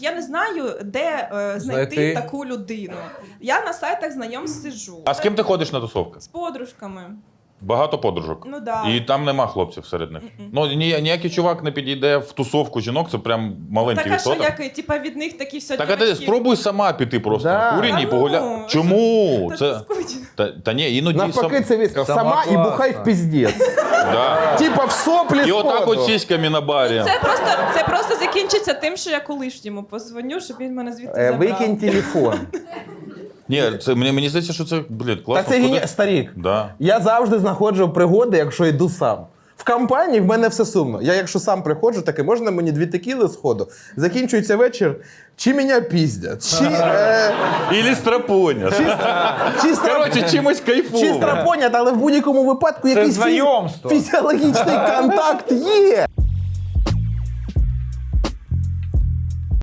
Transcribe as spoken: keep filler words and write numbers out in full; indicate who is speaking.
Speaker 1: Я не знаю, де е, знайти
Speaker 2: Знайти.
Speaker 1: таку людину. Я на сайтах знайомств сиджу.
Speaker 3: А з ким ти ходиш на тусовки?
Speaker 1: З подружками.
Speaker 3: Багато подружок.
Speaker 1: Ну да.
Speaker 3: І там нема хлопців серед них. Ну, ні, ніякий чувак не підійде в тусовку жінок, це прям маленький
Speaker 1: Так, а що,
Speaker 3: відсоток.
Speaker 1: як, типа, від них такі все
Speaker 3: Так, а ти
Speaker 1: дівочки?
Speaker 3: спробуй сама піти просто
Speaker 2: Да.
Speaker 3: на курені і
Speaker 1: Та ну,
Speaker 3: погуляти. Чому?
Speaker 1: Та
Speaker 3: Це...
Speaker 1: це скучно.
Speaker 3: Та, та ні, іноді
Speaker 2: Навпаки,
Speaker 3: сам...
Speaker 2: це віска.
Speaker 4: Сама
Speaker 2: Сама і
Speaker 4: класна.
Speaker 2: бухай в піздець.
Speaker 3: Да.
Speaker 2: Типа в соплі
Speaker 3: І отак
Speaker 2: сходу.
Speaker 3: от сіськами на барі.
Speaker 1: Це просто, це просто закінчиться тим, що я колишньому позвоню, щоб він мене звідти
Speaker 2: Е,
Speaker 1: забрав.
Speaker 2: Викинь телефон.
Speaker 3: Ні, це, мені, мені здається, що це, блін,
Speaker 2: Та
Speaker 3: класно.
Speaker 2: це
Speaker 3: Куди-
Speaker 2: гені... старік.
Speaker 3: Да.
Speaker 2: Я завжди знаходжу пригоди, якщо йду сам. В компанії в мене все сумно. Я якщо сам приходжу, таке, можна мені дві текіли сходу? Закінчується вечір, чи мене піздять, чи... Е...
Speaker 3: Ілі страпоня.
Speaker 2: Чи, чи, стра...
Speaker 3: Коротше, чимось
Speaker 2: чи
Speaker 3: кайфово.
Speaker 2: страпонять, але в будь-якому випадку якийсь фіз...
Speaker 4: знайомство.
Speaker 2: фізіологічний контакт є.